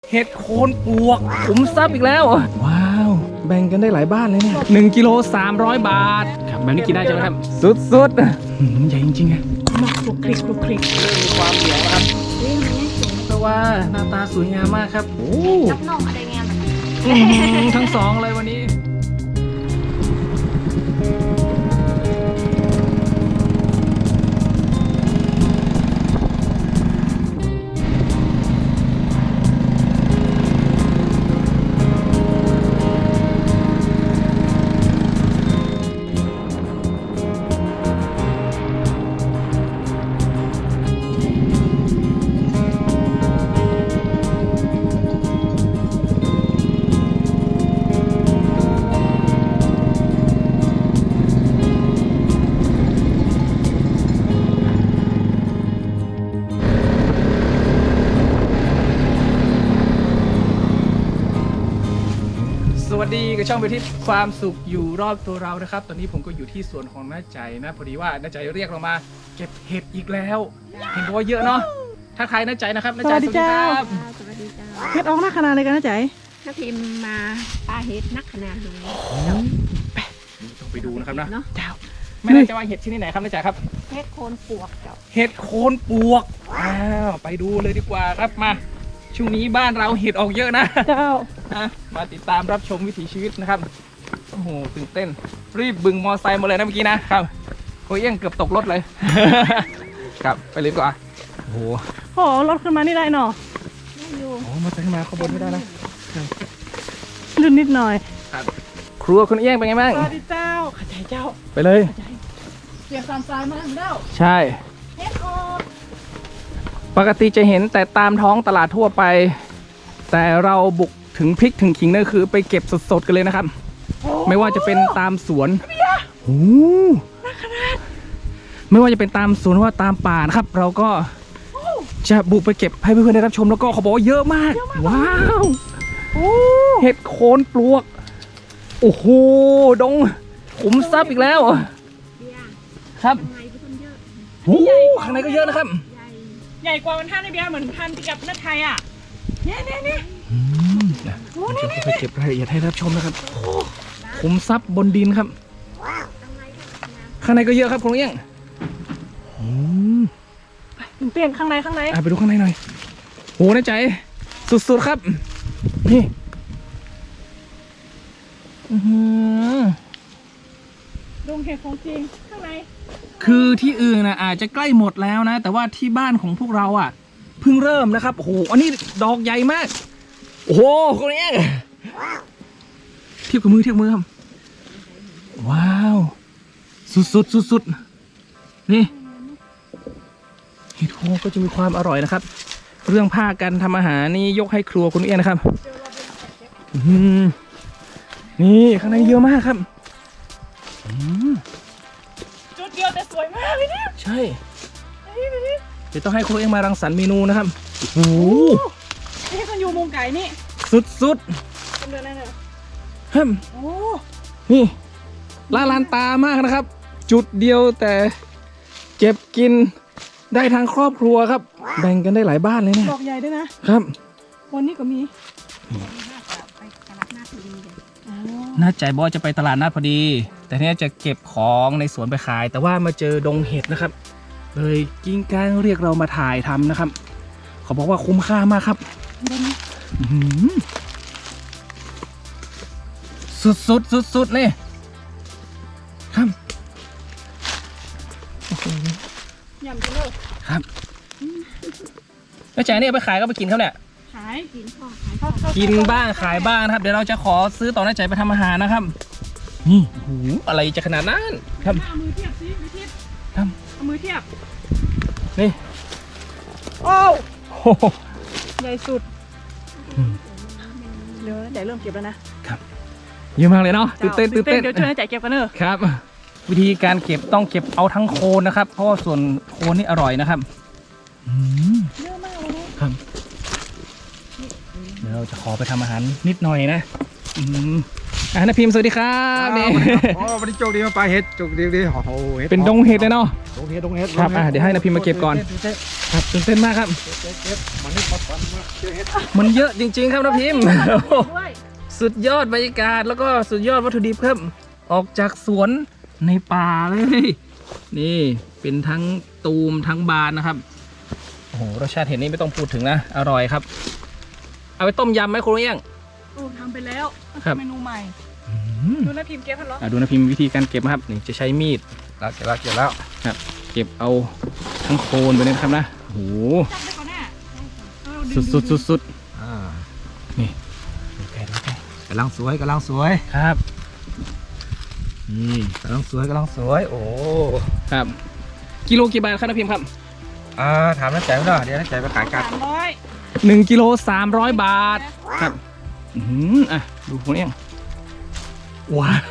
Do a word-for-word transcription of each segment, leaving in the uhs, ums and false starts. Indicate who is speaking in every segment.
Speaker 1: เห็ดโคนปวกขุมทรัพย์อีกแล้วว้าวแบ่งกันได้หลายบ้านเลยเนี่ยหนึ่งกิโลสามร้อยบาทครับแบบนี้กินได้ใช่ไหมครับสุดๆใหญ่จริงๆอะมาคลุกคลิกคลุกคลิกเริ่มมีความเหนียวนะครับเพราะว่าหน้าตาสวยงามมากครับโอ้รับน้องอะไรงามทั้งสองเลยวันนี้สวัสดีกับช่องไปที่ความสุขอยู่รอบตัวเรานะครับตอนนี้ผมก็อยู่ที่สวนของน้าใจนะพอดีว่าน้าใจเรียกเรามาเก็บเห็ดอีกแล้วเห็นบอกว่าเยอะเนาะถ้าใครน้าใจนะครับน้าใจสวัสดีครับ
Speaker 2: สวัสดีจ้า
Speaker 3: เห็ดออกหน้าขนาดเลยกันนะใจ
Speaker 2: ถ้าพิมพ์มาปลาเห็ดนักขนาดนี้
Speaker 1: ต้องไปดูนะครับนะ
Speaker 3: เจ้า
Speaker 1: ไม่แน่ใจว่าเห็ดที่ไหนครับน้าใจครับ
Speaker 2: เห็ดโคนปวกเจ้า
Speaker 1: เห็ดโคนปวกอ้าวไปดูเลยดีกว่าครับมาช่วงนี้บ้านเราเห็ดออกเยอะนะ
Speaker 3: เจ้า
Speaker 1: มาติดตามรับชมวิถีชีวิตนะครับโอ้โหตื่นเต้นรีบบึงมอไซค์มาเลยนะเมื่อกี้นะครับโอ้ยยังเกือบตกรถเลยครับไปเลยดีกว่าโอ้โห
Speaker 3: โอ้รถขึ้นมานี่ได้เนาะ
Speaker 1: โอ้มาขึ้นมาข้างบนไม่ได้นะ
Speaker 3: ลื่นนิดหน่อย
Speaker 1: ครับครัวคุณเอี้ยงเป็นไงบ้าง
Speaker 3: สวัสดีเจ้าข้าใจเจ้า
Speaker 1: ไปเลย
Speaker 3: เสียสามสายมาถึงแล้ว
Speaker 1: ใช่
Speaker 3: เฮ็ดออก
Speaker 1: ปกติจะเห็นแต่ตามท้องตลาดทั่วไปแต่เราบุกถึงพริกถึงขิงนั่นคือไปเก็บสดๆกันเลยนะครับไม่ว่าจะเป็นตามสวนโอ้ไม่ว่าจะเป็นตามสวนว่าตามป่านะครับเราก็จะบุกไปเก็บให้เพื่อนๆได้รับชมแล้วก็เขาบอกว่าเยอะมากว้าวเห็ดโคนปลวกโอ้โหดงขุมทรัพย์อีกแล้วครับโอ้ข้างในก็เยอะนะครับ
Speaker 3: ใหญ่กว่าวันท่านในเบียร์เหมือนพันที่กับนักไทยอ่ะเนี่ยเนี่ยเนี่ย
Speaker 1: โอ้นี่ไปเก็บรายละเอียดให้รับชมนะครับขุมทรัพย์บนดินครับข้างในก็เยอะครับคุณเอี้ยง
Speaker 3: เปลี่ยนข้างในข้างใน
Speaker 1: ไปดูข้างในหน่อยโหน่าใจสุดๆครับนี่
Speaker 3: ดงเห็ดของจริงข้างใน
Speaker 1: คือที่อื่นนะอาจจะใกล้หมดแล้วนะแต่ว่าที่บ้านของพวกเราอ่ะเพิ่งเริ่มนะครับโอ้โหอันนี้ดอกใหญ่มากโอ้โหคนนี้เทียบกับมือเทียบมือครับว้าวสุดๆสุดๆนี่เห็ดโคนก็จะมีความอร่อยนะครับเรื่องผ้ากันทำอาหารนี่ยกให้ครัวคุณเอี้ยนะครับนี่ข้างในเยอะมากครับ
Speaker 3: จุดเดียวแต่สวยมากเลยเนี่ย
Speaker 1: ใช่เดี๋ยวต้องให้ครูเองมารังสรรค์เมนูนะครับโอ้โห
Speaker 3: นี่คนอยู่มุมไก่นี่
Speaker 1: สุด
Speaker 3: ๆเป็นเดือนอะไรเนี่ย
Speaker 1: ฮึม
Speaker 3: โอ้
Speaker 1: นี่ลาลานตามากนะครับจุดเดียวแต่เก็บกินได้ทางครอบครัวครับแบ่งกันได้หลายบ้านเลยเนี่ย
Speaker 3: ดอกใหญ่ด้วยนะครับวันนี้ก็มี
Speaker 1: น่าใจบอยจะไปตลาดนัดพอดีแต่เนี้ยจะเก็บของในสวนไปขายแต่ว่ามาเจอดงเห็ดนะครับเลยกิ้งก้างเรียกเรามาถ่ายทำนะครับเขาบอกว่าคุ้มค่ามากครับสุดสุดสุดสุดเลยครับ
Speaker 3: ยำกันเลย
Speaker 1: ครับแล้วจ่ายเนี่ยไปขายก็ไปกินเขาเนี่ย
Speaker 3: ขายกินพ่อขาย
Speaker 1: กินบ้างขายบ้างนะครับเดี๋ยวเราจะขอซื้อต่อหน้าใจไปทำอาหารนะครับนี่โอ้โหอะไรจะขนาดนั้นครับ
Speaker 3: เอามือเทียบสิมือเทียบ
Speaker 1: ครับ
Speaker 3: เอามือเทียบ
Speaker 1: นี่
Speaker 3: โอ้ใหญ่สุดเดี๋ยวใหญ่เริ่มเก็บแล้วนะครับ
Speaker 1: เยอะมากเลยเนาะตื่นเต้นตื่นเต้น
Speaker 3: เดี๋ยวช่วยจ่ายเก็บกันเนอะ
Speaker 1: ครับวิธีการเก็บต้องเก็บเอาทั้งโคนนะครับเพราะว่าส่วนโคนนี่อร่อยนะครับ
Speaker 3: เยอะมากเลย
Speaker 1: ครับเดี๋ยวเราจะขอไปทำอาหารนิดหน่อยนะอ่ะนาพิมพ์สวัสดีครับนี่
Speaker 4: โอ้วันนี้โชคดีมาปลาเห็ดโชคดีดีโอ้โหห็
Speaker 1: เป็นดงเห็ดเลยเนาะ
Speaker 4: ดงเห็ดดงเห็ด
Speaker 1: ครับอ่ะเดี๋ยวให้นาพิมพ์มาเก็บก่อน ครับตื่นเต้นมากครับ
Speaker 4: เก็บเก็บมันนี่ปัดปันมาเจอเห็ด
Speaker 1: มันเยอะจริงๆครับนาพิมพ์
Speaker 3: ด้วย
Speaker 1: สุดยอดบรรยากาศแล้วก็สุดยอดวัตถุดิบครับ ออกจากสวนในป่าเลย นี่เป็นทั้งตูมทั้งบานนะครับโอ้โหรสชาติเห็นนี่ไม่ต้องพูดถึงนะอร่อยครับ เอาไปต้มยำไหมคุณเอี้ยง
Speaker 3: โอ้ทำไปแล้ว
Speaker 1: ครับ
Speaker 3: เมนูใหม่
Speaker 1: อืม
Speaker 3: ดูนะพิมพ์เก็บพันล้อ
Speaker 1: อ่ะดูนะพิมพ์วิธีการเก็บนะครับนี่จะใช้มีด
Speaker 4: แล้วเก็บแล้วเก็บแล้ว
Speaker 1: ครับ เก็บเอาทั้งโคนไปเลยนะครับนะโอ้โห
Speaker 3: จับได้ก่อนแน่เออ
Speaker 1: สุดสุดสุดสุด
Speaker 4: อ่า
Speaker 1: นี่ดูแกดูแก
Speaker 4: กำลังสวยกำลังสวย
Speaker 1: ครับ
Speaker 4: นี่กำลังสวยกำลังสวยโอ้
Speaker 1: ครับกิโลกี่บาทครับนะพิมพ์ครับ
Speaker 4: อ่าถามน้าใจไหมเนาะเดี๋ยวน้าใจไปขายกัน
Speaker 3: สามร้อย
Speaker 1: หนึ่งกิโลสามร้อยบาทครับอือหืออ่ะดูคุณเอี้ยงว้าว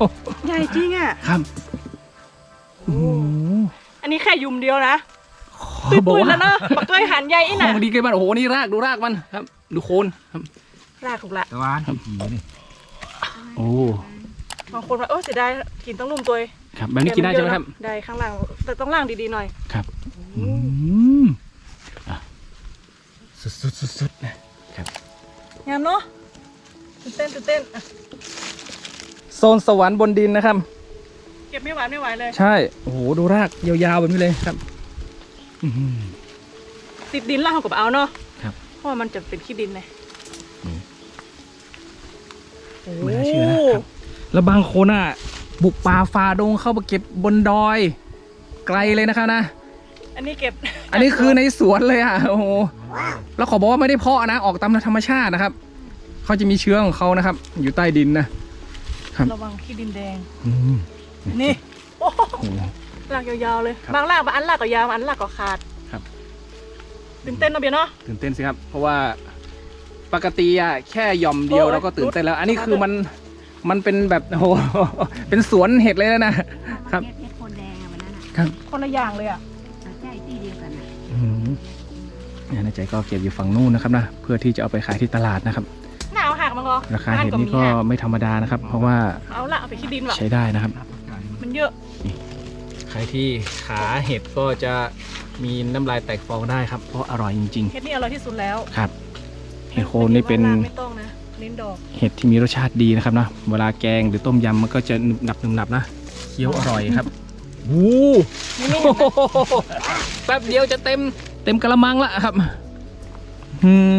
Speaker 3: ใหญ่จริงอ่ะ
Speaker 1: ครับโอ้โห
Speaker 3: อันนี้แค่ยุมเดียวนะ
Speaker 1: ขอบอก
Speaker 3: ตุ้ยๆ
Speaker 1: ว่า
Speaker 3: แล้วเนาะปักตุ้ยหันใหญ่อี
Speaker 1: ข
Speaker 3: น่ะ
Speaker 1: องดีเกินไปโอ้โหนี่รากดูรากมันครับ ดูโคนครับ
Speaker 3: ลากถูกละ
Speaker 4: ตะวันผีนี่
Speaker 1: โอ้
Speaker 3: บางคนว่าโอ้เสียดายกินต้องลุมตัว
Speaker 1: ครับแบบนี้กินได้ใช่ไหมครับ
Speaker 3: ได้ข้างล่างแต่ต้องล่างดีๆหน่อย
Speaker 1: ครับอืมอ่ะสุดสุดสุดสุดๆนะครับ
Speaker 3: งามเนาะตื่นเต้นตื่นเต้นอ่ะ
Speaker 1: โซนสวรรค์บนดินนะครับ
Speaker 3: เก็บไม่ไหวไม่ไหวเลย
Speaker 1: ใช่ โอ้โห ดูรากยาวๆแบบนี้เลยครับอื้อหือ
Speaker 3: ติดดินล่างกับเอาเนาะ
Speaker 1: ครับ
Speaker 3: เพราะว่ามันจะเป็นขี้ดินไง
Speaker 1: อืม
Speaker 3: โอ้
Speaker 1: ไม่น่าเชื่อนะครับ แล้วบางคนอ่ะ บุกป่าฝ่าดงเข้าไปเก็บบนดอย ไกลเลยนะครับนะ
Speaker 3: อันนี้เก็บ
Speaker 1: อันนี้คือในสวนเลยอ่ะ โอ้โห แล้วขอบอกว่าไม่ได้เพาะนะ ออกตามธรรมชาตินะครับ เขาจะมีเชื้อของเขานะครับ อยู่ใต้ดินนะ ครับ
Speaker 3: ระวังขี้ดินแดง
Speaker 1: อืม
Speaker 3: นี่โอ้โห
Speaker 1: โอ้โห
Speaker 3: ลากยาวๆเลย
Speaker 1: ครับ
Speaker 3: บางลากบางอันลากก็ยาวบางอันลากก็ขาด
Speaker 1: ครับ
Speaker 3: ตื่นเต้นเนาะเบียร์เนาะ
Speaker 1: ตื่นเต้นสิครับ เพราะว่าปกติอ่ะแค่หย่อมเดียว
Speaker 3: โอ้ย
Speaker 1: เราก็ตื่นเต้นแล้ว อันนี้คือมัน มันเป็นแบบโอ้โห เป็นสวนเห็ดเลยนะ ครับ
Speaker 2: เฮ็ดโคนแดงอะวันนั้นอ่ะ
Speaker 1: ครับ
Speaker 3: คนละอย่างเลยอ่ะ
Speaker 2: ใช่ที่เดียวกันอ่ะ
Speaker 1: อืมเนี่ยนายใจก็เก็บอยู่ฝั่งนู้นนะครับนะ เพื่อที่จะเอาไปขายที่ตลาดนะครับ
Speaker 3: หนาวหักมั้งเหรอ
Speaker 1: ราคาเห็ดนี่ก็ไม่ธรรมดานะครับ เพราะว่า
Speaker 3: เอาละเอาไปขี้ดินว่ะ
Speaker 1: ใช้ได้นะครับ
Speaker 3: มันเยอะ
Speaker 1: ใครที่ขาเห็ดก็จะมีน้ำลายแตกฟองได้ครับ เพราะอร่อยจริง
Speaker 3: เฮ็ดนี่อร่อยที่สุดแล้ว
Speaker 1: ๆ ครับ เห็ดโคนนี่เป็น
Speaker 3: ไม่ต้องนะเน้นดอก
Speaker 1: เห็ดที่มีรสชาติดีนะครับนะเวลาแกงหรือต้มยำมันก็จะหนึบหนับหนึบหนับนะเคี้ยวอร่อยครับวู
Speaker 3: นี่ไม่เห็นนะ
Speaker 1: แป๊บเดียวจะเต็มเต็มกระมังละครับอืม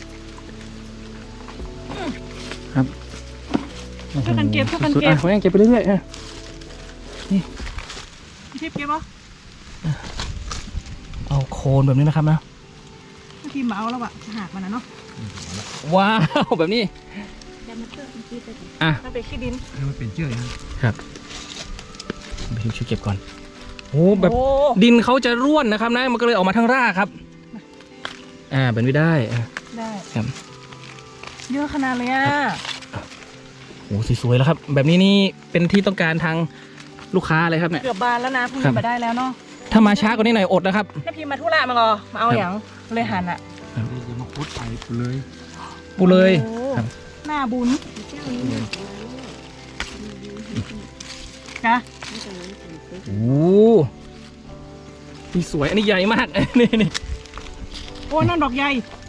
Speaker 1: ครับ
Speaker 3: ช่วยกันเก็บช่วยกัน
Speaker 1: สุดๆ
Speaker 3: เก็บ
Speaker 1: อ่ะผมยังเก็บไปเรื่อยๆอ่ะ
Speaker 3: ทิพย์เก็บปะ
Speaker 1: เอาโคนแบบนี้นะครับนะ
Speaker 3: ทีมมาเอาแล้วอะหักมันนะเนาะ
Speaker 1: ว้าวแบบนี้
Speaker 2: แต่มันเกิดมันคิดไปถึง
Speaker 1: อ่ะ
Speaker 3: มันเป็นขี้ดิน
Speaker 4: มันเป็นเชือกนะ
Speaker 1: ครับไปช่วยเก็บก่อนโอ้แบบ
Speaker 3: โอ้
Speaker 1: ดินเขาจะร่วนนะครับนะมันก็เลยออกมาทั้งรากครับอ่าแบบนี้ได้อ่ะ
Speaker 3: ได้
Speaker 1: ครับ
Speaker 3: เยอะขนาดเลยอ่ะ
Speaker 1: โอ้สวยๆแล้วครับ แบบนี้นี่เป็นที่ต้องการทางลูกค้าเลยครับเนี่ย
Speaker 3: เกือบบานแล้วนะพรุ่ง
Speaker 1: ครั
Speaker 3: นี้
Speaker 1: บ
Speaker 3: มาได้แล้วเนาะ
Speaker 1: ถ้ามาช้ากว่านี้หน่อยอดนะครับ
Speaker 3: ถ้าพิมพ์มาทุระมาเหรอมาเอาอย่างเลยหันอ่ะ
Speaker 4: นี่จะมาพุดไปเลย
Speaker 1: ปูเลย
Speaker 3: โอ้
Speaker 1: ครับ
Speaker 3: หน้าบุญ
Speaker 2: เจ้านี้น่ะ
Speaker 3: นะ
Speaker 2: ไม่ต้องนั้นเป็นไป
Speaker 1: โอ้นี่สวยอันนี้ใหญ่มาก นี่นี่
Speaker 3: โอ้นั่นดอกใหญ่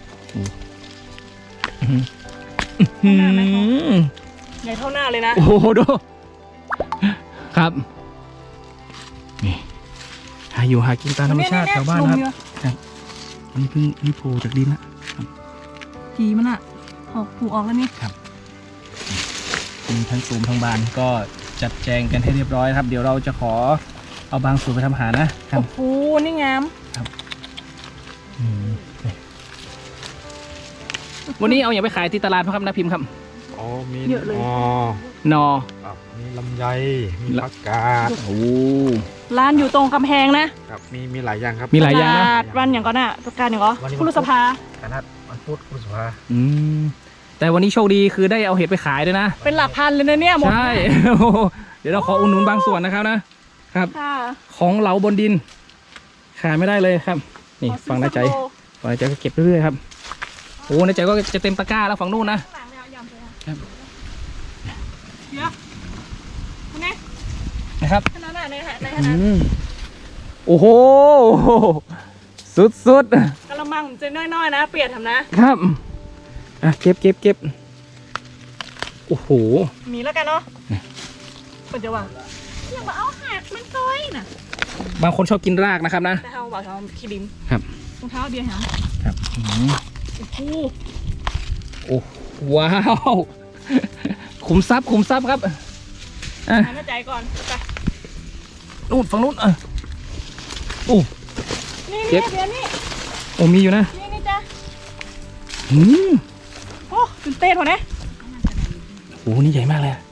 Speaker 1: อื
Speaker 3: หน้าไหมคะ
Speaker 1: ม
Speaker 3: ใหญ่เท่าหน้าเลยนะ
Speaker 1: โอ้โหดูครับนี่หาอยู่หากินตามธรรมชาติแถวบ้านนะครับอันนี้เพิ่งนี่โผล่จากดินละ
Speaker 3: กีมันอ่ะออกผูกออกแล้วนี่
Speaker 1: มีทั้งซูมทั้งบานก็จัดแจงกันให้เรียบร้อยครับ เดี๋ยวเราจะขอเอาบางส่วนไปทำอาหารนะครับ
Speaker 3: โอ้โหนี่งาม
Speaker 1: อืมวันนี้เอาอย่างไปขายที่ตลาดครับนะพิมพ์ครับ
Speaker 4: อ๋อมี
Speaker 3: เยอะเลย
Speaker 4: อ๋อน
Speaker 1: อ
Speaker 4: ครับมีลำไยมีผักกาด
Speaker 1: โอ้
Speaker 3: ร้านอยู่ตรงกำแพงนะครับ
Speaker 4: มีมีหลายอย่างครับ
Speaker 1: มีหลายอย่าง
Speaker 3: ต
Speaker 1: นะ
Speaker 3: ลาดวันอย่างก่อนน่ะตุกการอย่างก่อน
Speaker 4: วันนี้
Speaker 3: คุรุสภา
Speaker 4: คณะวันพุธคุณสุภา
Speaker 1: อืมแต่วันนี้โชคดีคือได้เอาเห็ดไปขายด้วยนะ
Speaker 3: เป็นหลักพันเลยนะเนี่ยหมด
Speaker 1: ใช่ โอ้โหเดี๋ยวเราขออุดหนุนบางส่วนนะครับนะครับ
Speaker 3: ค่ะ
Speaker 1: ของเหลาบนดิน ขายไม่ได้เลยครับ นี่
Speaker 3: ขอซื้อ
Speaker 1: ฝั่งน้าใจ
Speaker 3: สักโล
Speaker 1: ฝั่งน้าใจก็เก็บเรื่อยๆครับโอ้น้าใจก็จะเต็มตะกร้าแล้วฝั่งนู้นนะ
Speaker 3: ข้างหลังเนี่ยยำเลยอะ
Speaker 1: ค
Speaker 3: เดี๋ยวคุณแม่
Speaker 1: นะครับ
Speaker 3: ขนาดไหนในในข
Speaker 1: อื
Speaker 3: นาด
Speaker 1: มโอ้โหสุดสุด
Speaker 3: กระมังจะน้อยๆนะ เปลี่ยนทำนะครับ
Speaker 1: อ่ะเก็บเก็บเก็บโอ้โห
Speaker 3: มีแล้วกันเนาะคนจะว่าอย่ามาเอาหักมันซอยน่ะ
Speaker 1: บางคนชอบกินรากนะครับนะ
Speaker 3: แต่เขาบอกเขาขี้ดิม
Speaker 1: ครับ
Speaker 3: รองเท้าเดียวเหรอ
Speaker 1: ครับอืม
Speaker 3: โอ้โห
Speaker 1: โอ้ว้าวขุมทรัพย์ขุมทรัพย์ครับอ่ะ
Speaker 3: หายใจก่อนไป
Speaker 1: นู่นฝั่งนู้นอ่ะโอ้
Speaker 3: นี่
Speaker 1: เก็
Speaker 3: นี่
Speaker 1: บ
Speaker 3: เดี๋ยวนี่
Speaker 1: โอ้มีอยู่นะ
Speaker 3: นี่นี่จ้ะ
Speaker 1: อืม
Speaker 3: โอ้ตื่นเต้นหัวเนี่ย
Speaker 1: โอ้นี่ใหญ่มากเลยอะ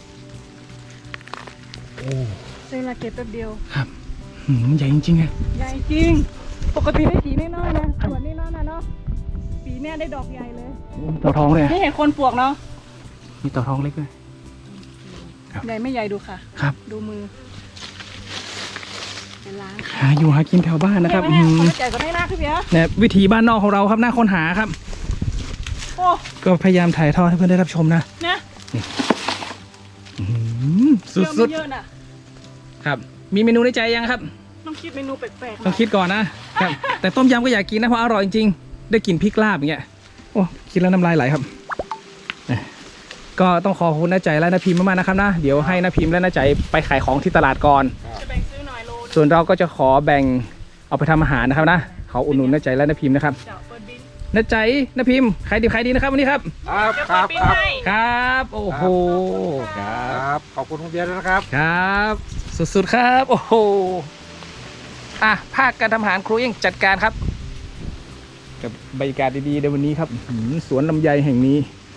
Speaker 1: โอ้
Speaker 3: เซลาเก็บแป๊บเดียว
Speaker 1: ครับอืมมันใหญ่จริงๆไง
Speaker 3: ใหญ่จริง ปกติได้สีน้อยๆนะส่วนน้อยๆนะเนาะปีเนี้ยได้ดอกใหญ่เลย
Speaker 1: เต่าทองเลยอะ
Speaker 3: นี่เห็นคนปลวกเนาะ
Speaker 1: มีเต่าทองเล็กด้วย
Speaker 3: ใหญ่ไม่ใหญ่ดูค่ะ
Speaker 1: ครับ
Speaker 3: ดูมือ
Speaker 2: จะล้าง
Speaker 1: หาอยู่หากินแถวบ้านนะครับ
Speaker 3: เห็
Speaker 1: อื
Speaker 3: ไหม
Speaker 1: ม
Speaker 3: เนี่ยคนใจก็ได้หน้าขึ้นเพีย
Speaker 1: เนี่ยวิถีบ้านนอกของเราครับน่าค้นหาครับ
Speaker 3: โอ้
Speaker 1: ก็พยายามถ่ายทอดให้เพื่อนได้รับชมนะ
Speaker 3: นะ
Speaker 1: อื้อหือ
Speaker 3: เยอะ
Speaker 1: สุ
Speaker 3: ไม่
Speaker 1: ด
Speaker 3: เยอะน่ะ
Speaker 1: ๆครับ มีเมนูในใจยังครับ
Speaker 3: ต้องคิดเมนูแปลกๆ
Speaker 1: ต้องคิดก่อนนะครับ แต่ต้มยำก็อยากกินนะเพราะอร่อยจริงๆได้กลินพริกลาบอย่างเงี้ยโอ้คิดแล้วน้ำลายไหลครับนะก็ต้องขอบคุณน้าใจและน้าพิมพ์มากๆนะครับนะเดี๋ยวให้น้าพิมพ์และน้าใจไปขายของที่ตลาดก่อน
Speaker 3: จะแบ่งซื้อหน่อยโล
Speaker 1: ส่วนเราก็จะขอแบ่งเอาไปทำอาหารนะครับนะขออุดหนุนน้าใจและน้าพิมพ์นะครับ
Speaker 3: เดี๋ยวเปิดบิน
Speaker 1: น้าใจน้าพิมพ์ขายดีขายดีนะครับวันนี้ครับ
Speaker 4: ครับ
Speaker 3: เดี๋ยว
Speaker 4: ค
Speaker 3: เปิ
Speaker 4: รั
Speaker 3: ด
Speaker 4: บ
Speaker 3: บิน
Speaker 4: ครับ
Speaker 3: ให้
Speaker 1: ครับโอ้โหครั
Speaker 4: ครับ บขอบคุณคุณเบียร์ด้วยนะครับ
Speaker 1: ครับ สุดๆครับโอ้โหอ่ะภาคการทำอาหารครูเองจัดการครับ กับบรรยากาศดีๆในวันนี้ครับอื้อหือสวนลำไยแห่งนี้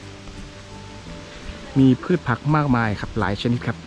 Speaker 1: มีพืชผักมากมายครับหลายชนิดครับ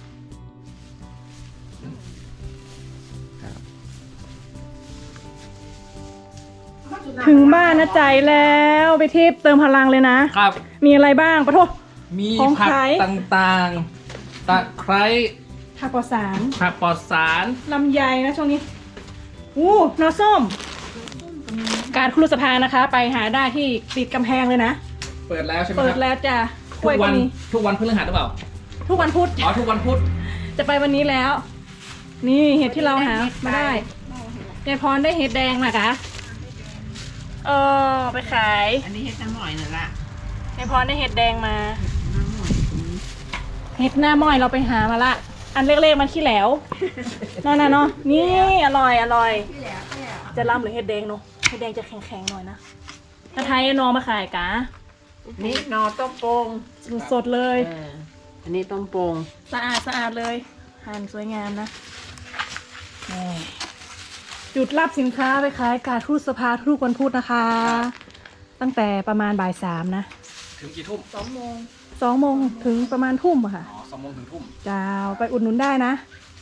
Speaker 3: ถึงบ้านนะใจแล้วไปทิพย์เติมพลังเลยนะ
Speaker 1: ครับ
Speaker 3: มีอะไรบ้างปะโท
Speaker 1: มี
Speaker 3: ของ
Speaker 1: ผัก
Speaker 3: ขาย
Speaker 1: ต่างๆตะไคร้
Speaker 3: ผักปลอดสาร
Speaker 1: ผักปลอดสาร
Speaker 3: ลำไยนะช่วงนี้อู้นอส้ม การครุสภานะคะ ไปหาได้ที่ติดกำแพงเลยนะ
Speaker 1: เปิดแล้วใช่ไหม
Speaker 3: เปิ
Speaker 1: ค
Speaker 3: ด
Speaker 1: รับ
Speaker 3: แล้วจ้ะก
Speaker 1: ทุ
Speaker 3: ล้วย
Speaker 1: ก
Speaker 3: ก็
Speaker 1: วัน
Speaker 3: มี
Speaker 1: ทุกวันพฤหัสหรือเปล่า
Speaker 3: ทุกวันพุธ
Speaker 1: อ๋อทุกวันพุธ
Speaker 3: จะไปวันนี้แล้ว นี่เห็ดที่เราหามาได้ยายพรได้เห็ดแดงนะคะเออไปขาย
Speaker 2: อันนี้เฮ็ดน้ำหน่อยน่ะละ
Speaker 3: ยายพรได้เห็ดแดงมา
Speaker 2: น้ำหน่อย
Speaker 3: เห็ดหน้าม้อยเราไปหามาละ อันเล็กๆมันขี้แหลวนั่นน่ะเนาะนี่อร่อยอร่อย
Speaker 2: ที่แล้วเนี่ย
Speaker 3: จะล่ำหรือเห็ดแดงเนาะเห็ดแดงจะแข็งๆหน่อยนะถ้าไทยเอานอมาขายกะ
Speaker 2: นี่นอต้มโป่ง
Speaker 3: สดๆเลย
Speaker 2: เอออันนี้ต้มโป่ง
Speaker 3: สะอาดสะอาดเลยหั่นสวยงามนะนี่จุดรับสินค้าไปขายกาดทูตสภาทุกวันพุธนะคะ ตั้งแต่ประมาณบ่ายสามนะ
Speaker 1: ถึงกี่ทุ่ม
Speaker 3: สองโมงสองโมงถึงประมาณทุ่มอะค่ะ
Speaker 1: อ๋อสองโมงถึงทุ่ม
Speaker 3: จ้าไปอุดหนุนได้นะ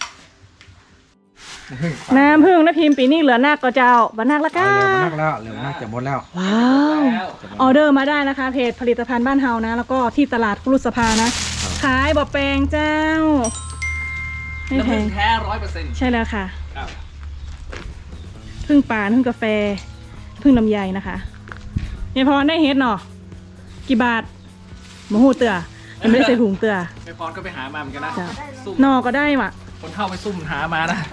Speaker 3: น้ำผึ้งนะพิมพ์ปีนี้เหลือนักก็เจ้าบันนักละ
Speaker 4: เอา
Speaker 3: ก้า
Speaker 4: เร็วมากแล้วเร็วมากจะหมดแล้ว
Speaker 3: ว้าว
Speaker 1: แล้ว
Speaker 3: ออเดอร์มาได้นะคะ เพจผลิตภัณฑ์บ้านเฮานะ แล้วก็ที่ตลาดครุสภานะ ขายบะแปลงเจ้า ไม่
Speaker 1: น้ำ
Speaker 3: แพ
Speaker 1: ผึ้
Speaker 3: ง
Speaker 1: งแท้ร้อยเปอร์เซ็นต์
Speaker 3: ใช่แล้วค่ะ
Speaker 1: ครับ
Speaker 3: พึ่งป่านพึ่งกาแฟ พึ่งลำไยนะคะเนี่ยพอได้เฮ็ดเนาะกี่บาทมะฮูเตือยังไม่ได้ใส่ถุงเตือ
Speaker 1: ไม่พรก็ไปหามาเหมือนกันนะ
Speaker 3: จ้ะ
Speaker 1: ซุ่ม
Speaker 3: นอก็ได้ว่ะ
Speaker 1: คนเท่าไปซุ่มหามานะ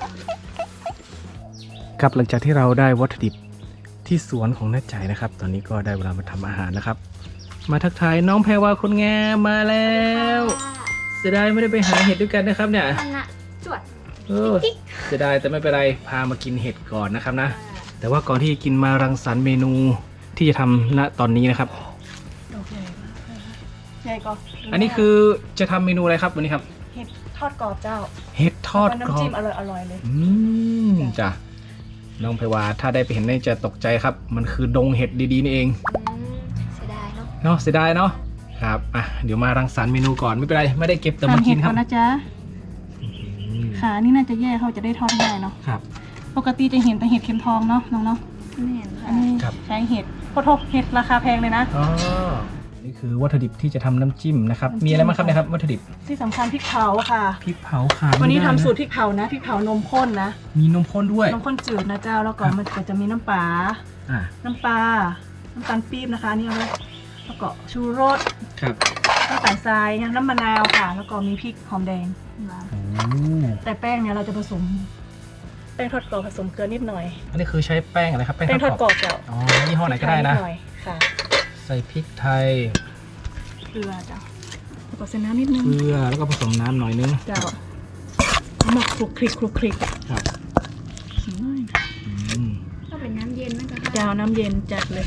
Speaker 1: ครับหลังจากที่เราได้วัตถุดิบที่สวนของน้าใจนะครับ ตอนนี้ก็ได้เวลามาทำอาหารแล้วครับ มาทักทายน้องแพรวาคนงามมาแล้วเสียดายไม่ได้ไปหาเห็ดด้วยกันนะครับเนี่ย
Speaker 2: อันน่ะจวด
Speaker 1: เออเสียดายแต่ไม่เป็นไรพามากินเห็ดก่อนนะครับนะ แต่ว่าก่อนที่จะกินมารังสรรค์เมนูที่จะทำณตอนนี้นะครับ
Speaker 3: โอเคใหญ่ก็
Speaker 1: อันนี้คือจะทำเมนูอะไรครับวันนี้ครับ
Speaker 3: เห็ดทอดกรอบเจ้า
Speaker 1: เห็ดทอด
Speaker 3: แล้ว
Speaker 1: กรอ
Speaker 3: น้ำจิ้
Speaker 1: บ
Speaker 3: มอร่อยอร่อยๆเลย
Speaker 1: อืมจ้ะน้องไพวาถ้าได้ไปเห็นน่าจะตกใจครับ มันคือดงเห็ดดีๆนี่เอง
Speaker 2: เสียดายเนาะ
Speaker 1: เนาะเสียดายเนาะครับอ่ะเดี๋ยวมารังสรรค์เมนูก่อนไม่เป็นไรไม่ได้เก็บแต่มากินครับ
Speaker 3: ทำเห็ดก่อนนะจ๊ะ
Speaker 1: อืม
Speaker 3: ขานี่น่าจะแย่เขาจะได้ทอดง่ายเนาะ
Speaker 1: ครับ
Speaker 3: ปกติจะเห็นแต่เห็ดเข็มทองเนาะน้องเนาะ
Speaker 2: ไม่เห็น
Speaker 3: อั
Speaker 2: ค่ะ
Speaker 3: นนี้
Speaker 1: ครับ
Speaker 3: ใช้เห็ดโคตรเห็ดราคาแพงเลยนะ
Speaker 1: อ๋อนี่คือวัตถุดิบที่จะทำน้ำจิ้มนะครับมีอะไรบ้างครับเนี่ยครับวัตถุดิบ
Speaker 3: ที่สำคัญพริกเผาค่ะ
Speaker 1: พริกเผาขาด
Speaker 3: วันนี้
Speaker 1: ไม่
Speaker 3: ทำ
Speaker 1: ได้ะ
Speaker 3: สูตรพริกเผานะพริกเผานมข้นนะ
Speaker 1: มีนมข้นด้วย
Speaker 3: นมข้นจืดนะเจ้าแล้วก็
Speaker 1: ครับ
Speaker 3: มันก็จะมีน้ำปลา
Speaker 1: อ่า
Speaker 3: น้ำปลาน้ำตาลปี๊บนะคะนี่เอาไว้แล้วก็ชูรส
Speaker 1: ครับ
Speaker 3: น้ำตาลทรายน้ำมะนาวค่ะ แล้วก็มีพริกหอมแดง
Speaker 4: โอ้
Speaker 3: แต่แป้งเนี่ยเราจะผสม แป้งทอดกรอบผสมเกลือนิดหน่อย
Speaker 4: อันนี้คือใช้แป้งอะไรครับ แป้ง
Speaker 3: แป้งทอดกรอบเจ้า
Speaker 4: อ๋อยี่ห้อไหนก็ได้นะ
Speaker 3: นิหน่อยค่ะ
Speaker 4: ใส่พริกไทย
Speaker 3: เกลือเจ้าแล้วก็ใส่น้ำนิดนึง
Speaker 4: เกลือแล้วก็ผสมน้ำหน่อยนึง
Speaker 3: เจ้าหมักคลุกคลิกคลุกคลิก
Speaker 4: ครับ
Speaker 3: อืม
Speaker 4: อืม
Speaker 2: ก็เป็นน้ำเย็นไหมคะ
Speaker 3: เจ้าน้ำเย็นจัดเลย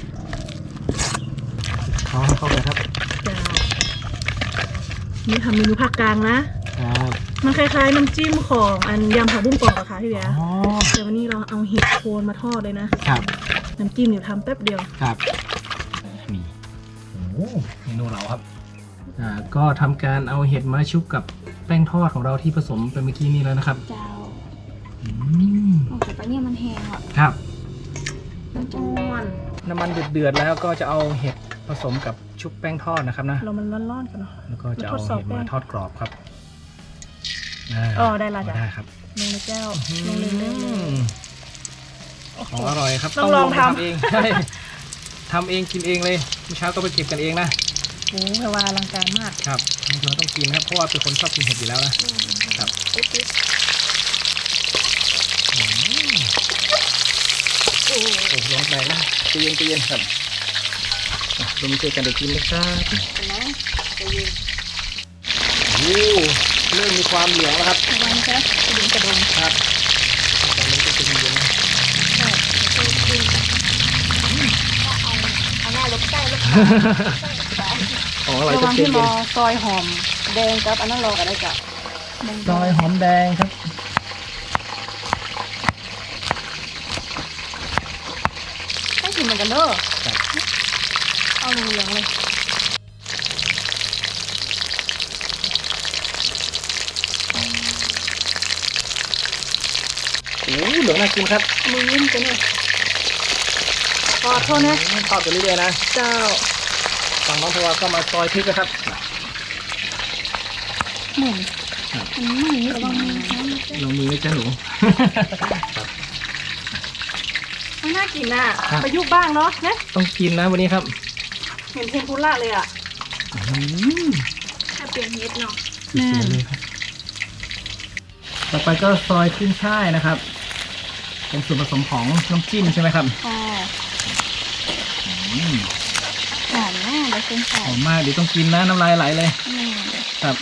Speaker 4: เขาให้เข้าไปครับ
Speaker 3: เจ้านี่ทำเมนูภาคกลางนะ
Speaker 4: ครับ
Speaker 3: มันคล้ายๆน้ำจิ้มของอันยำผักบุ้งกรอบอะค่ะพี่เบียร์
Speaker 4: อ๋อ
Speaker 3: แต่วันนี้เราเอาเห็ดโคนมาทอดเลยนะครับ น้ำจิ้มเดี๋ยวทำแป๊บเดียว
Speaker 4: ครับนี่โอ้โหเมนูเราครับอ่าก็ทำการเอาเห็ดมาชุบกับแป้งทอดของเราที่ผสมไปเมื่อกี้นี้แล้วนะครับ
Speaker 2: เจ้า
Speaker 4: อืม
Speaker 2: โอ้แต่ปะเนี่ยมันแห้งอ่ะ
Speaker 4: ครับ
Speaker 2: มันจะม้วน
Speaker 4: น้ำมันเดือดๆแล้วก็จะเอาเห็ดผสมกับชุบแป้งทอดนะครับนะ
Speaker 3: เรามันร้อนๆกันเนาะ
Speaker 4: แล้วก็จะเอา
Speaker 3: มาทดสอบ
Speaker 4: เห็ด
Speaker 3: แป้
Speaker 4: มาง ทอดกรอบครับา
Speaker 3: อ๋อได้ละจ้ะ
Speaker 4: ได้ครับ
Speaker 3: ลงในแก้วลงเลยเลยเลย
Speaker 4: ของอร่อยครับ
Speaker 3: ต้องลอง
Speaker 4: ไป
Speaker 3: ทำ
Speaker 4: เองใช่ทำเองกินเองเลยเมื่อเช้าก็ไปเก็บกันเองนะ
Speaker 3: โอ้แพรว่าอลังการมาก
Speaker 4: ครับเราต้องกินครับเพราะว่าเป็นคนชอบกินเห็ดอยู่แล้วนะครับโอ้โหร้อนแรงนะใจเย็นใจเย็นครับอ่ะเรามาช่วยกันเดี๋ยวกินนะครับ
Speaker 2: นะจะยืน
Speaker 4: โอ้เริ่มมีความเหลืองแล้วครับ
Speaker 3: ระวังนะกระดิ่งกระดง
Speaker 4: ครับตอนนี้ก็จะเย็นๆนะ
Speaker 2: เอาหน้าลบใต้ลบ
Speaker 4: ของอร่อย
Speaker 2: ระ
Speaker 4: จะ
Speaker 2: วัง
Speaker 4: เย็
Speaker 2: ที่
Speaker 4: น
Speaker 2: รอซอยหอมแดงกับอันนั้นรอกันได้จ้ะ
Speaker 4: ซอยหอมแดงครับ
Speaker 2: ต้องกินเหมือนกันเด้อ
Speaker 4: ครับ
Speaker 2: เอาเหลืองๆเลย
Speaker 4: โอ้เหลืองน่ากินครับ
Speaker 3: มือยิ้มกันเนี่ยขอโทษนะ
Speaker 4: ทอดไปเรื่อยๆนะ
Speaker 3: เจ้า
Speaker 4: ฝั่งน้องพวาก็มาซอยพริกนะครับ
Speaker 2: เหมือนมันไม่มีระวังมือนะ
Speaker 4: ลงมือเลยจ้าหนู
Speaker 3: ไม่น่ากินอ่ะ
Speaker 4: ครับ
Speaker 3: ประยุกต์บ้างเนาะนะ
Speaker 4: ต้องกินนะวันนี้ครับ
Speaker 3: เห็นเทมปุระเลยอ่ะ
Speaker 4: อืม
Speaker 2: ถ้าเปลี่ยนเฮ็ดเนาะ
Speaker 4: สวยๆเลยครับ ต่อไปก็ซอยขึ้นช่ายนะครับ เป็นส่วนผสมของน้ำจิ้มใช่ไหมครับ
Speaker 2: ค่ะ
Speaker 4: อืม
Speaker 2: หอมมากเลยคุณ
Speaker 4: ห
Speaker 2: ใส่
Speaker 4: อมมากเดี๋ยวต้องกินนะน้ำลายไหลเลย
Speaker 2: อืม
Speaker 4: ครับ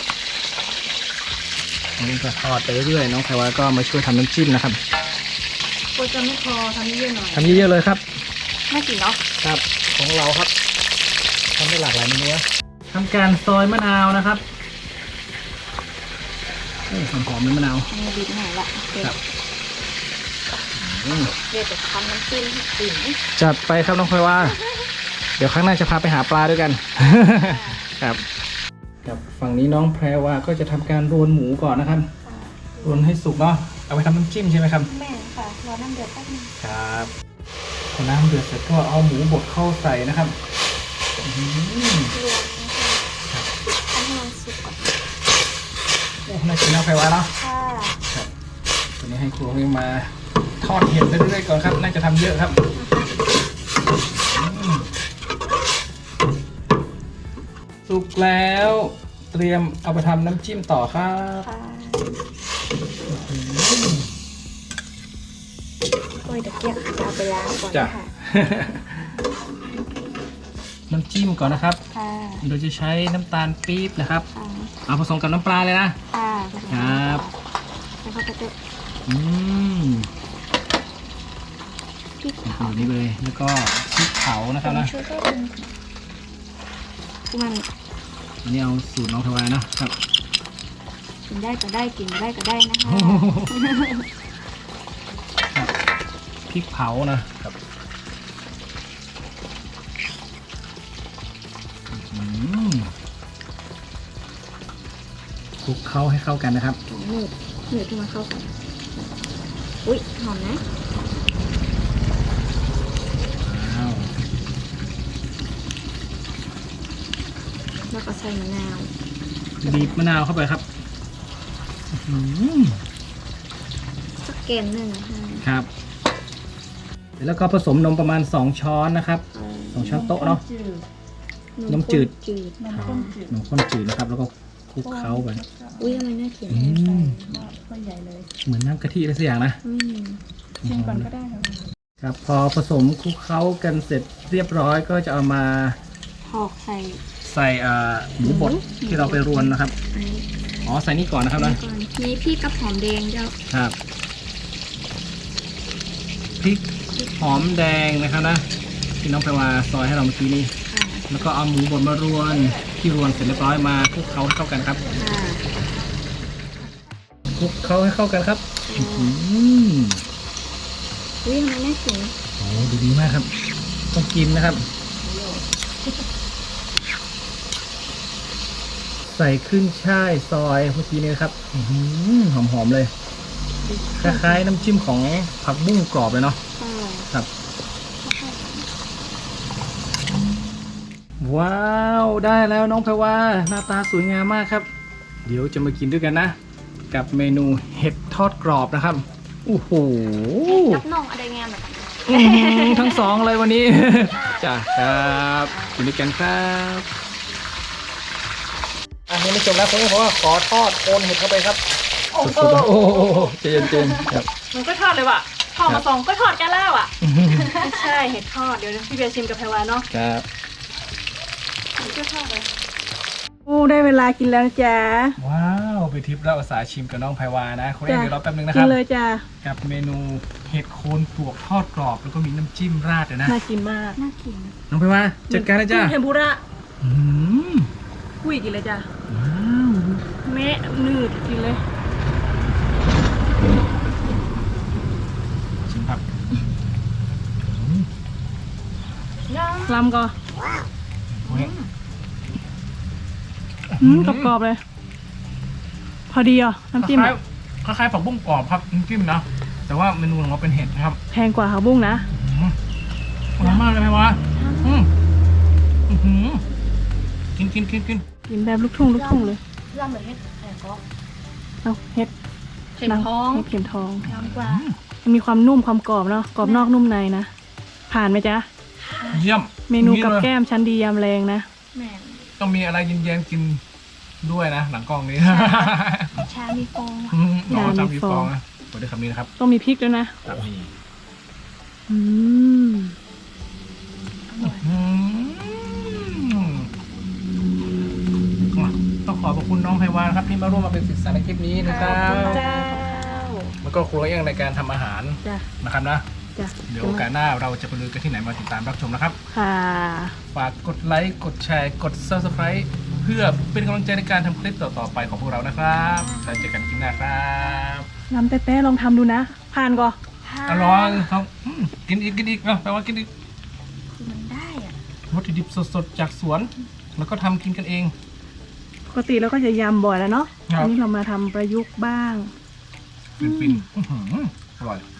Speaker 4: อันนี้ก็ทอดไปเรื่อยๆน้องไพวาก็มาช่วยทำน้ำจิ้มนะครับ
Speaker 3: กลัวจะไม่พอทำเยอะๆหน่อย
Speaker 4: ทำเยอะๆเลยครับ
Speaker 2: ไม่กินเนาะ
Speaker 4: ครับ ของเราครับทำได้หลากหลายเมนูนะทำการซอยมะนาวนะครับโอ้หอมๆเลยมะนาว
Speaker 2: อันนี้ดีหน่อยละโอเค
Speaker 4: ครับอืม
Speaker 2: เดี๋ยวจะทำน้ำจิ้มให้กิน
Speaker 4: จัดไปครับน้องพลอยว่า เดี๋ยวครั้งหน้าจะพาไปหาปลาด้วยกัน ครับกับฝั่งนี้น้องแพรว่าก็จะทำการรวนหมูก่อนนะครับรวนให้สุกเนาะเอาไปทำน้ำจิ้มใช่ไหมครับ
Speaker 2: แม่ค่ะรอน้ำเดือดแป๊บนึง
Speaker 4: ครับพอน้ำเดือดเสร็จก็เอาหมูบดเข้าใส่นะครับอืม
Speaker 2: รวมนะคะทำให้มันสุกก่อน
Speaker 4: โอ้น่ากินน้องแพรว่าเนาะ
Speaker 2: ค่ะ
Speaker 4: ครับตัวนี้ให้ครูเรียมาทอดเห็ดไปเรื่อยๆก่อนครับน่าจะทำเยอะครับอืมสุกแล้วเตรียมเอาไปทำน้ำจิ้มต่อครับ
Speaker 2: ค่ะโอ้ยตะเกียบจะเอาไปล้างก่อน
Speaker 4: จ้ะ
Speaker 2: ค่ะ
Speaker 4: น้ำจิ้มก่อนนะครับ
Speaker 2: ค่ะ
Speaker 4: โดยจะใช้น้ำตาลปี๊บนะครับ
Speaker 2: ค่ะ
Speaker 4: เอาผสมกับน้ำปลาเลยนะ
Speaker 2: ค่ะ
Speaker 4: ครับ
Speaker 2: แล้วก็จะ
Speaker 4: อืม
Speaker 2: พริก
Speaker 4: แบบนี้เลย แล้วก็พริกเผานะครับนะ
Speaker 2: ช่วยก็เป็นมัน
Speaker 4: อันนี้เอาสูตรน้องทวายนะครับ
Speaker 2: กินได้ก็ได้กินไม่ได้ก็ได้นะคะ
Speaker 4: ครับพริกเผานะครับอืมคลุกเข้าให้เข้ากันนะครับ
Speaker 2: หนืดหนืดที่มันเข้ากัน อุ้ยหอมนะ
Speaker 4: ว้าว
Speaker 2: แล้วก็ใส่มะนาว
Speaker 4: บีบมะนาวเข้าไปครับอื้อหือ
Speaker 2: สักเกมหนึ่งนะคะ
Speaker 4: ครับแล้วก็ผสมนมประมาณสองช้อนนะครับ สองช้อนโต๊ะเนาะนมจืด
Speaker 2: จืด
Speaker 3: นมข้นจืด
Speaker 4: นมข้นจืดนะครับ แล้วก็คลุกเคล้าไป
Speaker 2: อุ้ยทำไมน่ากิน
Speaker 4: อืม
Speaker 3: ก็ใหญ่เลย
Speaker 4: เหมือนน้ำกะทิอะไรสักอย่างนะ
Speaker 2: อืม
Speaker 3: ชิมก่อนก็ได้ค่ะ
Speaker 4: ครับพอผสมคลุกเคล้ากันเสร็จเรียบร้อยก็จะเอามา
Speaker 2: หอกใส่
Speaker 4: ใส่อ่าหมูบดที่เราไปรวนนะครับ
Speaker 2: อันนี้
Speaker 4: อ๋อใส่นี่ก่อนนะครับนะ
Speaker 2: ก่อนมีพริกกับหอมแดงเจ้า
Speaker 4: ครับพริกหอมแดงนะครับนะที่น้องไปว่าซอยให้เราเมื่อกี้นี้
Speaker 2: ค่ะ
Speaker 4: แล้วก็เอาหมูบดมารวนที่รวนเสร็จเรียบร้อยมาคลุกเคล้าให้เข้ากันครับ
Speaker 2: ค่ะ
Speaker 4: คลุกเคล้าให้เข้ากันครับอืม
Speaker 2: อุ้ยทำไมน่ากิน
Speaker 4: โอ้ดูดีมากครับ ต้องกินนะครับ ใส่ขึ้นช่ายซอยเมื่อกี้นี้นะครับหอมหอมๆเลยคล้ายๆน้ำจิ้มของผักบุ้งกรอบเลยเนาะ
Speaker 2: ค่ะ
Speaker 4: ครับ ว้าวได้แล้วน้องแพรว่าหน้าตาสวยงามมากครับ เดี๋ยวจะมากินด้วยกันนะ กับเมนูเห็ดทอดกรอบนะครับโอ้โห
Speaker 2: รับน้องอะไรงานแบบนี้
Speaker 4: อื้อหือทั้งสองเลยวันนี้ จ้ะครับกินด้วยกันครับอันนี้ไม่จบแล้วผมเพราะว่าขอทอดโคนเห็ดเข้าไปครับ
Speaker 3: โอ้โห
Speaker 4: สุดๆโอ้โหเจนเจนครับ
Speaker 3: มันก็ทอดเลยว่ะทอด
Speaker 4: ครั
Speaker 3: มา
Speaker 4: บ
Speaker 3: สองก็ทอดกันแล้วอ่ะไม่ใช่เห็ดทอดเดี๋ยวพี่เบียร์ชิมกับไพวาเนาะ
Speaker 4: ครับ
Speaker 3: ก็ทอดเลยโอ้ได้เวลากินแล้วนะจ๊ะ
Speaker 4: ว้าวไปทิปแล้วอาสาชิมกับน้องไพวานะคนนี้
Speaker 3: จ้ะ
Speaker 4: เดี๋ยวรอแป๊บนึงนะค
Speaker 3: กิ
Speaker 4: รั
Speaker 3: น
Speaker 4: บ
Speaker 3: เลยจ้ะ
Speaker 4: กับเมนูเห็ดโคนปลวกทอดกรอบแล้วก็มีน้ำจิ้มราดเลยนะ
Speaker 3: น่ากินมาก
Speaker 2: น่ากิน
Speaker 4: น้องไพวาจัดการเลยจ้า
Speaker 3: เทมปุระ
Speaker 4: อืม
Speaker 3: คุยกินเลยจ้ะ
Speaker 4: ว้าว
Speaker 3: แม่นืดกินเลย
Speaker 4: ชิมครับ
Speaker 3: ลำก่อน
Speaker 4: โอ้ย
Speaker 3: อืมกรอบๆเลย พอดีอ่ะน้ำจิ้ม
Speaker 4: คล้า
Speaker 3: อะ
Speaker 4: ยๆคล้ายๆผักบุ้งกรอบครับน้ำจิ้มนะแต่ว่าเมนูของเราเป็นเห็ดนะครับ
Speaker 3: แพงกว่าผักบุ้งนะ
Speaker 4: อืมอร่อยมากเลยไพวาอืมอื้อหือกินกินกินกิน
Speaker 3: กินแบบลูกทุ่งลูกทุ่งเลย
Speaker 2: ย่ำเหมือนเห็ดแหกก็
Speaker 3: เอาเห็ด
Speaker 2: เข็มท้อง
Speaker 3: เห็ดเข็มทอง
Speaker 2: น้ำกว่า
Speaker 3: มันมีความนุ่มความกรอบเนาะกรอบนอกนุ่มในนะ ผ่านไหมจ๊ะ
Speaker 4: เยี่ยม
Speaker 3: เมนูกับ
Speaker 4: อย่าง
Speaker 3: แก้มชั้นดียำแรงนะ
Speaker 2: แม่น
Speaker 4: ต้องมีอะไรเย็นๆกินด้วยนะ หลังกล้องนี้
Speaker 2: ชามีฟอง
Speaker 4: อืมอ๋อ
Speaker 3: อย่ามี
Speaker 4: จำพี่
Speaker 3: ฟ
Speaker 4: ฟ
Speaker 3: อ
Speaker 4: อง งนะเปิดด้วยคำนี้นะครับ
Speaker 3: ต้องมีพริกด้วยนะ
Speaker 4: ครับนี่
Speaker 3: อืม
Speaker 4: อืมต้องขอบพระคุณน้องไพวานะครับที่มาร่วมมาเป็นศิษย์สารในคลิปนี้นะครับ
Speaker 3: เจ้า
Speaker 4: แล้วก็ครัวเองในการทำอาหาร
Speaker 3: จ้ะ
Speaker 4: นะครับนะ
Speaker 3: จ้ะ
Speaker 4: เดี๋ยวโอกาสหน้าเราจะไปลุยกันที่ไหนมาติดตามรับชมนะครับ
Speaker 3: ค่ะ
Speaker 4: ฝากกดไลค์ กดแชร์ กด ซับสไครบ์ เพื่อเป็นกำลังใจในการทำคลิปต่อๆไปของพวกเรานะครับแล้วเจอกันคลิปหน้าครับ
Speaker 3: น้ำเต้ๆลองทำดูนะ ผ่านก่อน
Speaker 4: อร่อยครับอืมกินอีกกินอีกเนาะแปลว่ากินอีก
Speaker 2: คือมันได้อ่ะ
Speaker 4: วัตถุดิบสดๆจากสวน แล้วก็ทำกินกันเอง
Speaker 3: ปกติเราก็จะยำบ่อยแล้วเนาะ
Speaker 4: ครับ
Speaker 3: อันนี้เรามาทำประยุกต์บ้าง
Speaker 4: ฟินๆอื้อหืออร่อย